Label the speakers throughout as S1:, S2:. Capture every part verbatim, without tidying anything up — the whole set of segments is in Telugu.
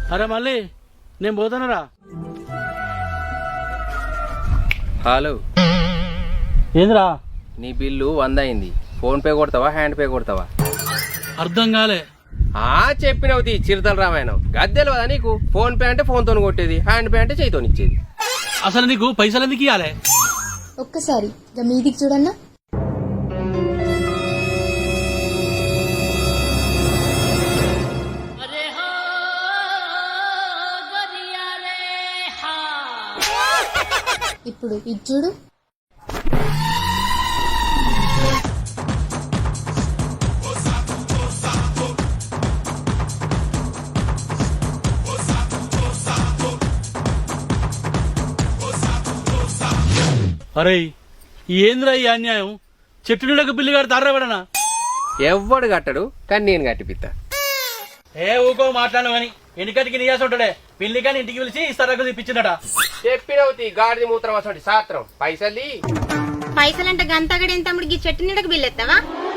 S1: అరే మళ్ళీ నేను పోతానరా.
S2: హలో,
S1: ఏంద్రా?
S2: నీ బిల్లు వంద అయింది. ఫోన్ పే కొడతావా హ్యాండ్ పే కొడతావా?
S1: అర్థం కాలే.
S2: ఆ చెప్పినవుతి చిరుతల రామాయణం గద్దెలు కదా నీకు. ఫోన్ పే అంటే ఫోన్ తోని కొట్టేది, హ్యాండ్ పే అంటే చేయితోని ఇచ్చేది.
S1: అసలు నీకు పైసలు ఎందుకు ఇవ్వాలి?
S3: ఒక్కసారి మీదికి చూడన్నా. ఇప్పుడు ఇది చూడు.
S1: అరే ఏంద్రా ఈ అన్యాయం? చెట్టు నీడకు బిల్లు గారు తారబడనా?
S2: ఎవ్వడు కట్టడు, కానీ నేను కట్టిపిత్తా.
S1: ఏ ఊకో మాట్లాడను అని ఎన్నికటికి నీయాసి ఉంటాడే. పిల్లి కానీ ఇంటికి పిలిచి ఇస్తారకు తెప్పించిందట.
S2: చెప్పినవుతి గాడిది మూత్రం అసలు సాత్రం. పైసలు
S4: పైసలంటే గంతగడి ఎంత తమ్ముడికి చెట్టు నీడకు బిల్లు ఎత్తావా?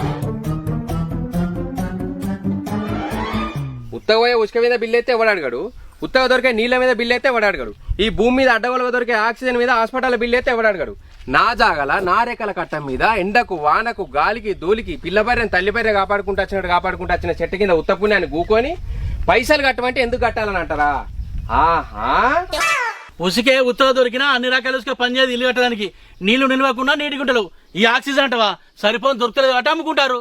S2: ఉత్తగ పోయే ఉసుక మీద బిల్లు అయితే ఎవడు అడగడు. ఉత్తగ దొరికే నీళ్ళ మీద బిల్లు అయితే ఎవడు అడగడు. ఈ భూమి మీద అడ్డగోలుగా దొరికే ఆక్సిజన్ మీద హాస్పిటల్ బిల్లు అయితే ఎవడు అడగడు. నా జాగల నా రేఖల కట్టం మీద ఎండకు వానకు గాలికి ధూళికి పిల్లబర్రెని తల్లిబర్రె కాపాడుకుంటూ వచ్చినట్టు కాపాడుకుంటూ వచ్చిన చెట్టు కింద ఉత్త పుణ్యాన్ని గూకొని పైసలు కట్టమంటే ఎందుకు కట్టాలని అంటారా? ఆహా,
S1: ఉసికే ఉత్తర దొరికినా అన్ని రకాల ఉసుక పనిచేది ఇల్లు కట్టడానికి. నీళ్లు నిలవకుండా నీటి గుంటలు. ఈ ఆక్సిజన్ అంటవా సరిపోని దొరకలేదు అట అమ్ముకుంటారు.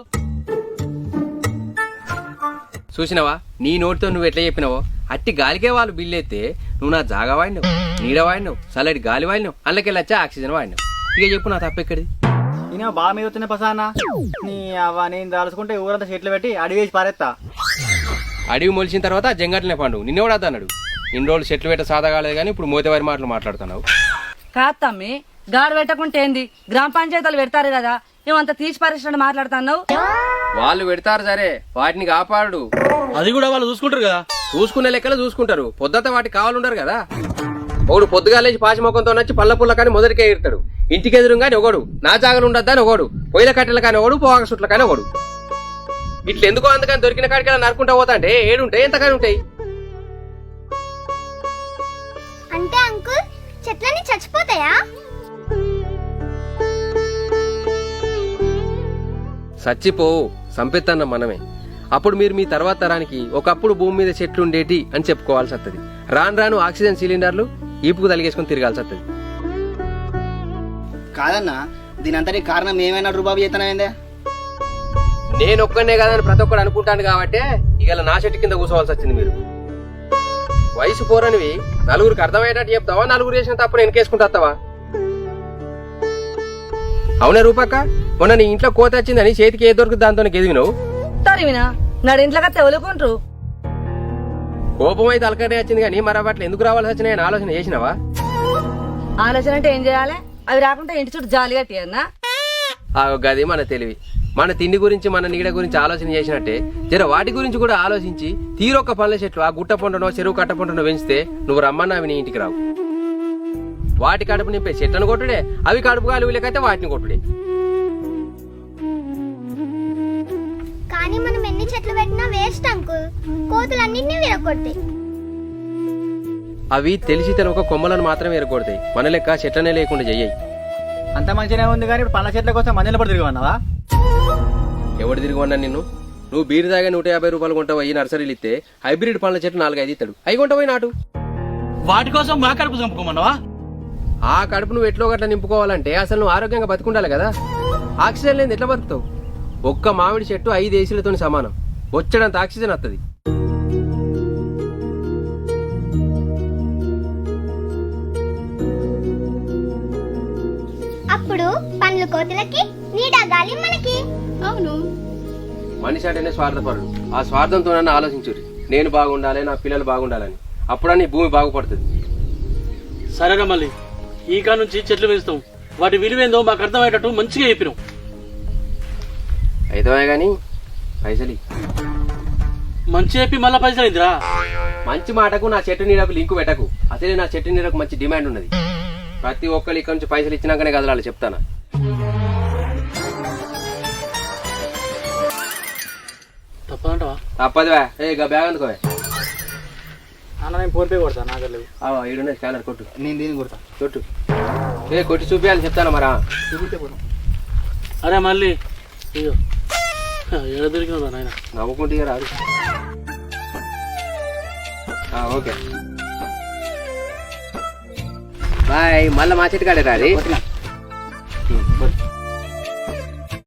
S2: చూసినవా నీ నోటితో నువ్వు ఎట్లా చెప్పినావో అట్టి గాలికే వాళ్ళు బిల్లు అయితే నువ్వు నా జాగా వాడినావు, నీడ వాడినావు, చల్లటి గాలి వాడినావు, అందులోకెళ్ళి వచ్చా ఆక్సిజన్ వాడినావు. ఇక చెప్పు నా తప్పెక్కడిది?
S5: నేను బాగా మీద వచ్చిన పసానా నీ అవ్వ నేను దాల్చుకుంటే ఊరంతా చెట్లు పెట్టి అడిగి వేసి పారేస్తా.
S2: అడవి మొలిచిన తర్వాత జంగట్లనే పండు నిన్నెవడా అన్నాడు? ఇన్ని రోజులు చెట్లు పెట్ట సాదా కాలేదు కానీ ఇప్పుడు మోతేవారి మాటలు మాట్లాడుతున్నావు.
S6: కాదు తమ్మి, గాడు పెట్టకుంటే ఏంది? గ్రామ పంచాయతీలు పెడతారు కదా, మేమంతా తీసి పారేసినట్టు మాట్లాడుతున్నావు.
S2: వాళ్ళు పెడతారు సరే, వాటిని కాపాడు.
S1: అది కూడా వాళ్ళు చూసుకుంటారు కదా.
S2: చూసుకునే లెక్కలు చూసుకుంటారు, పొద్దుత వాటికి కావాలంటారు కదా. ఒకడు పొద్దుగాలేసి పాచి మొక్కంతో నచ్చి పళ్ళ పుల్ల కానీ మొదటికే ఎడతాడు. ఇంటికి ఎదురు కానీ ఒకడు, నా జాగలు ఉండద్దా అని ఒకడు, పొయ్యిల కట్టెల కానీ ఒకడు, పోగా సుట్ల కానీ ఒకడు. ఇట్లా ఎందుకో అందుకని దొరికిన కాడికి నరుకుంటా పోతా అంటే ఏడుంటాయి ఎంతకాని ఉంటాయి.
S4: అంటే అంకుల్ చెట్లన్నీ చచ్చిపోతాయా?
S2: సచ్చిపోవు, సంపెత్తన్న మనమే. అప్పుడు మీరు మీ తర్వాత తరానికి ఒకప్పుడు భూమి మీద చెట్లు ఉండేటి అని చెప్పుకోవాల్సి వస్తుంది. రాను రాను ఆక్సిజన్ సిలిండర్లు ఈపుకు తలిగేసుకుని తిరగాల్సి వస్తుంది.
S5: కాదన్నా దీని అంతటి కారణం ఏమైనా రూబాబు చేతనైందే?
S2: నేను ఒక్కనే కాదని ప్రతి ఒక్కడు అనుకుంటాను కాబట్టి ఇక నా చెట్టు కింద కూర్చోవాల్సి వచ్చింది. మీరు వయసు పోరనివి నలుగురికి అర్థమయ్యేటట్టు చెప్తావా? నలుగురు చేసిన తప్పుడు వెనకేసుకుంటావా? అవునే రూపక్క, మొన్న నీ ఇంట్లో కోత వచ్చిందని చేతికి ఏ దొరుకుతుంది దాంతో ఎదిగినావు.
S6: తరివినా నాడు ఇంట్లో తెవలుకుంటారు.
S2: కోపం అయితే అలకటే వచ్చింది కానీ మరి అట్లా ఎందుకు రావాల్సి వచ్చినాయని ఆలోచన చేసినావా?
S6: ఆలోచన అంటే ఏం చేయాలి? అవి రాకుండా ఇంటి చుట్టూ జాలి కట్టియన్నా.
S2: ఆ గది మన తెలివి. మన తిండి గురించి మన నీడ గురించి ఆలోచన చేసినట్టే జర వాటి గురించి కూడా ఆలోచించి తీరొక్క పనుల చెట్లు ఆ గుట్ట పొంటనో చెరువు కట్ట పొంటనో పెంచితే నువ్వు రమ్మన్నా అవి నీ ఇంటికి రావు. వాటి కడుపు నింపే చెట్లను కొట్టుడే, అవి కడుపు గాలి లేకైతే వాటిని కొట్టుడే.
S4: కానీ మనం ఎన్ని చెట్లు పెట్టినా వేస్ట్ అంకుల్, కోతులన్నింటినీ విరగొట్టాయి.
S2: అవి తెలిసి తెలవక కొమ్మలను మాత్రమే ఎరగొడతాయి, మన లెక్క చెట్లనే లేకుండా చెయ్యి.
S5: అంత మంచిగానే ఉంది కానీ ఇప్పుడు పండ్ల చెట్ల కోసం మందిలో పడి తిరిగివన్నావా?
S2: ఎవడు తిరిగి ఉన్నా నిన్ను? నువ్వు బీరు దాగా నూట యాభై రూపాయలు కొంటావు ఈ నర్సరీలు ఇస్తే హైబ్రిడ్ పండ్ల చెట్లు నాలుగైదు ఇస్తాడు, అవి కొంటావు నాటు.
S1: వాటి కోసం మా కడుపు చంపుకోమన్నావా?
S2: ఆ కడుపు నువ్వు ఎట్లో గట్లా నింపుకోవాలంటే అసలు నువ్వు ఆరోగ్యంగా బతుకుండాలి కదా. ఆక్సిజన్ లేని ఎట్లా బతుకుతావు? ఒక్క మామిడి చెట్టు ఐదు ఏసీలతో సమానం, వచ్చేటంత ఆక్సిజన్ వస్తుంది.
S4: అప్పుడు పండ్లు కోతులకి, నీడ గాలి మనకి. అవును,
S2: మనిషి అంటేనే స్వార్థపరుడు. ఆ స్వార్థంతో నన్ను ఆలోచించుర్రి, నేను బాగుండాలి, నా పిల్లలు బాగుండాలని. అప్పుడని భూమి బాగుపడుతుంది.
S1: సరేగా మళ్ళీ ఈ కా నుంచి చెట్లు పెంచుతాం, వాటి విలువేందో మాకు అర్థమయ్యేటట్టు మంచిగా చెప్పినాం.
S2: అయితే గాని పైసలి
S1: మంచి చెప్పి మళ్ళా పైసలు అయిందిరా.
S2: మంచి మాటకు నా చెట్టు నీడకు లింకు పెట్టకు. అసలే నా చెట్టు నీడకు మంచి డిమాండ్ ఉన్నది. ప్రతి ఒక్కరు ఇక్కడ నుంచి పైసలు ఇచ్చినాకనే కదలాలి, చెప్తానా?
S1: తప్పదంటవా?
S2: తప్పదువా? ఏ బ్యాగ్ అందుకోవే.
S5: అన్న నేను ఫోన్ పే కొడతా నా దగ్గర లేవు.
S2: ఈడున్న స్కానర్ కొట్టు
S5: నేను దీన్ని కొడతా.
S2: కొట్టు ఏ కొట్టి చూపించాలి చెప్తాను మరా.
S5: చూపిస్తే పోతాం.
S1: అరే మళ్ళీ అయ్యో ఎడ దొరికినా నాయన.
S2: నవ్వుకుంటే రాదు. Okay bye. మళ్ళీ మా చెట్టు కాడే రాది.